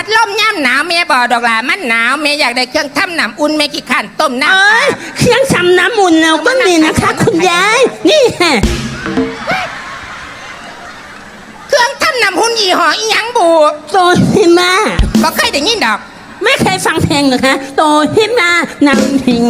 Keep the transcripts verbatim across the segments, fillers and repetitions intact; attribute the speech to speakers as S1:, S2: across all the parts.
S1: ลมย่ำหนาวแม่บอกดอกหลามันหนาวแม่อยากได้เครื่องทำน้ำอุ่นแม่ขี้ขันต้มน้ำ
S2: เอ้ยเครื่องทำน้ำอุ่นเราก็มีนะคะคุณยายนี่ฮะ
S1: เครื่องทำน้ำหุ่นยี่ห้ออีหยังบู
S2: โตฮิมา
S1: บอกเคยได้ยินดอก
S2: ไม่เคยฟังเพลงเหรอคะโตฮิมานำถิง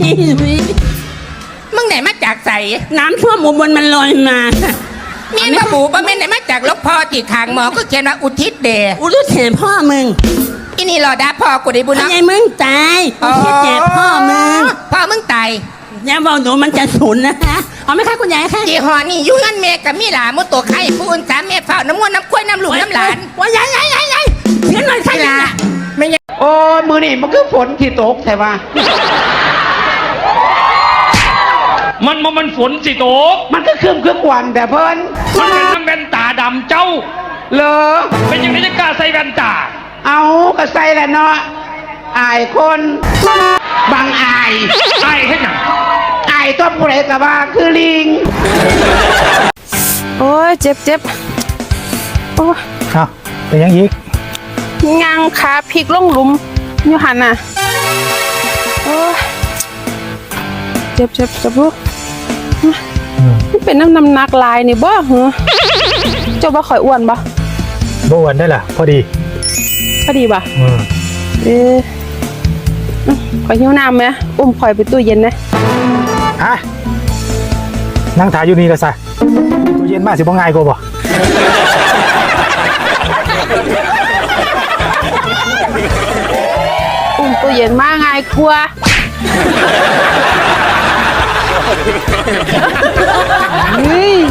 S1: มึงไหนมาจากใส
S2: น้ำท่วมอุบลมันลอยมา
S1: เมียนมาบูบ่แม่นไหนมาจากลกพ่อตีขางหมอก็เขียนว่าอุทิศเดช
S2: อุลุเทพ่อมึง
S1: อินี่รอดาพ่อกูได้บุญ
S2: พ่อ
S1: เนาะ
S2: ใหญ่มึงตายอุทิศแก่พ่อมึง
S1: พ่อมึงตาย
S2: อย่าบอกหนูมันจะสูญนะคะเอาไหมคะคุณยายคะ
S1: ยี่ห้อนี่ยุ่งกันเมกับมีหลามุตัวไข่ผู้อื่นสามเมฝ้าน้ำมันน้ำกล้วยน้ำหลุมน้ำหลาน
S2: ว่ายายยายยายยายเสียงหน่อยค่ะ
S1: ไม่ละไม่ยัง
S3: โอ้ยมือนี่มันคือฝนที่ตกใช่ปะ
S4: มันมันมันฝนสิโตก
S3: มันก็คืมคืมกวันแต่เพิ่น
S4: มันเป็นน้ำแว่นตาดำเจ้า
S3: เลอ
S4: เป็นยังไงจะกล้าใส่แว่นตา
S3: เอากระใส่แหละเนาะอายคนบางอาย
S4: ไอ้ให้หนัง
S3: อายต้นผู้ใดกะว่าคือลิง
S5: โอ้ยเจ็บเจ็บโอ้ย
S6: เอาเป็นยังอีก
S5: ยางขาพลิกลงหลุมอยู่หันน่ะโอ้ยเจ็บเจ็บเจ็บลูกมันเป็นน้ำน้ำหนักลายนี่บ่เหรอเจ้าบ่ข่อยอ้วนบ่
S6: บ่อ้วนได้ล่ะ พอดี
S5: พอดีบ่
S6: อืม
S5: เอออื้อข่อยหิวน้ำไหมอุ้มข่อยไปตู้เย็นนะ
S6: ฮะนั่งถ่ายอยู่นี่ก็ซะตู้เย็นมาสิบ่ง่ายกว่าบ่
S5: อุ้มตู้เย็นมาง่ายกว่าเฮ้ย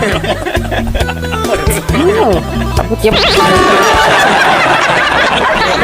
S5: อืมเจ็บ